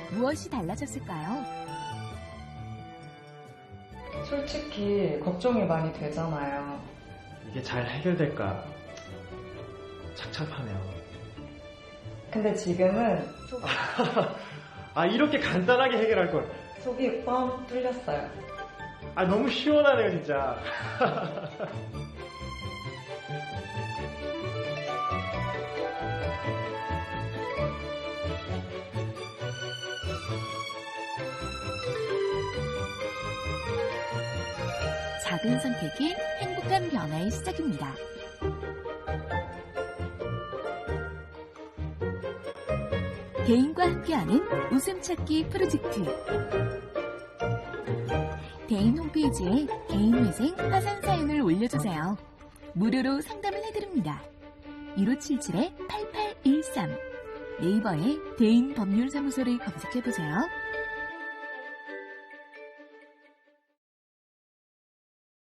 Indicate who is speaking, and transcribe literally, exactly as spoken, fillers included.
Speaker 1: 무엇이 달라졌을까요?
Speaker 2: 솔직히 걱정이 많이 되잖아요.
Speaker 3: 이게 잘 해결될까 착잡하네요.
Speaker 2: 근데 지금은 속,
Speaker 3: 아, 이렇게 간단하게 해결할 걸.
Speaker 2: 속이 뻥 뚫렸어요.
Speaker 3: 아, 너무 시원하네요, 진짜.
Speaker 1: 작은 선택이 행복한 변화의 시작입니다. 대인과 함께하는 웃음 찾기 프로젝트. 대인 홈페이지에 개인회생 화상 사연을 올려주세요. 무료로 상담을 해드립니다. 일오칠칠 팔팔일삼 네이버에 대인 법률사무소를 검색해보세요.